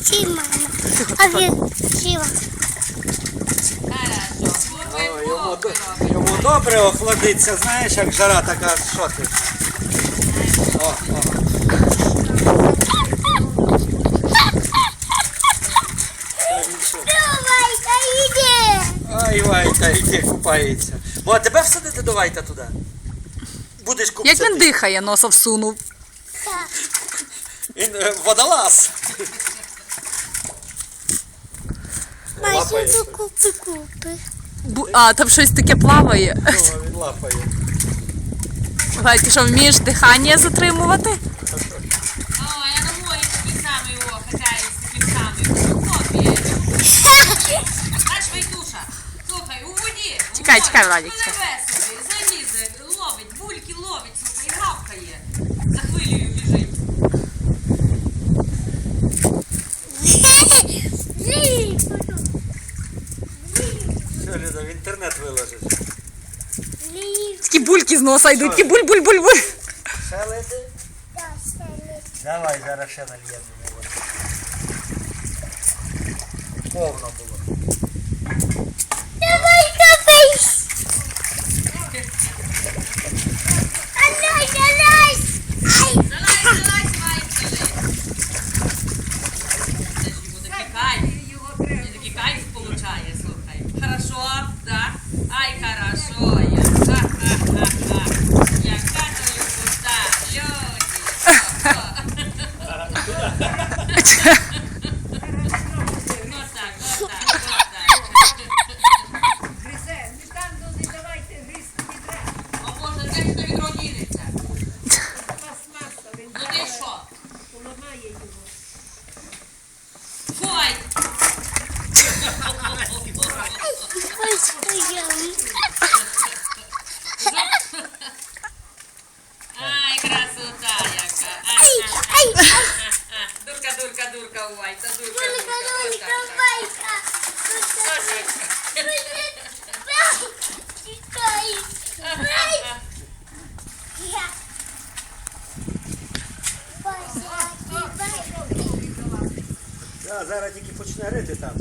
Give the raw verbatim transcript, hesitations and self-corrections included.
Ці, мама. А він сіла. О, йому, до- йому добре охладиться, знаєш, як жара така, що ти? О, о. Та нічого. Давай, та йди. Ай, Вайта, іди купається. Мо, а тебе всадити до Вайта туди? Будеш Як купцяти. він дихає, носа всунув. Так. Він е, водолаз. Майже до купи-купи. Бу- А, там щось таке плаває. О, він лапає. Вай, ти що, вмієш дихання затримувати? О, я на морі такий самий о, катаюсь, таким самим. Копія. Знаєш, Вайтуша, слухай, у воді. у Чекай, морі, чекай, Владик, пливе собі, залізе, ловить, бульки ловить, слухай, і гавкає. За хвилею біжить. Все, Люда, в інтернет виложиш. Такі бульки з носа йдуть, такі буль-буль-буль-буль. Ще лети? Давай, зараз ще нальємо. Повно було. Давай, копись. Алай, алай. Ай. Залазь, залазь, Вайтуша. Це ж йому такий кайф. Він такий кайф получає, слухай. Хорошо, да? Ай, хорошо. Я. Ха-ха-ха-ха. Яка то любота, люди. Отак, отак, отак. Гризе, не там не давайте гризти відра. А може, де ж то відро дінеться? Пластмаса, він Ну ти що? поламає його. Фой! Ой, стояли. Ай, красота яка. Ай, ай, ай. Дурка, дурка, дурка, Вайта, дурка, Дурка, дурка. дурка, Отак, Вайка. так. Тікай. Ай. Я. Боже, Да, зараз тільки почне рити там.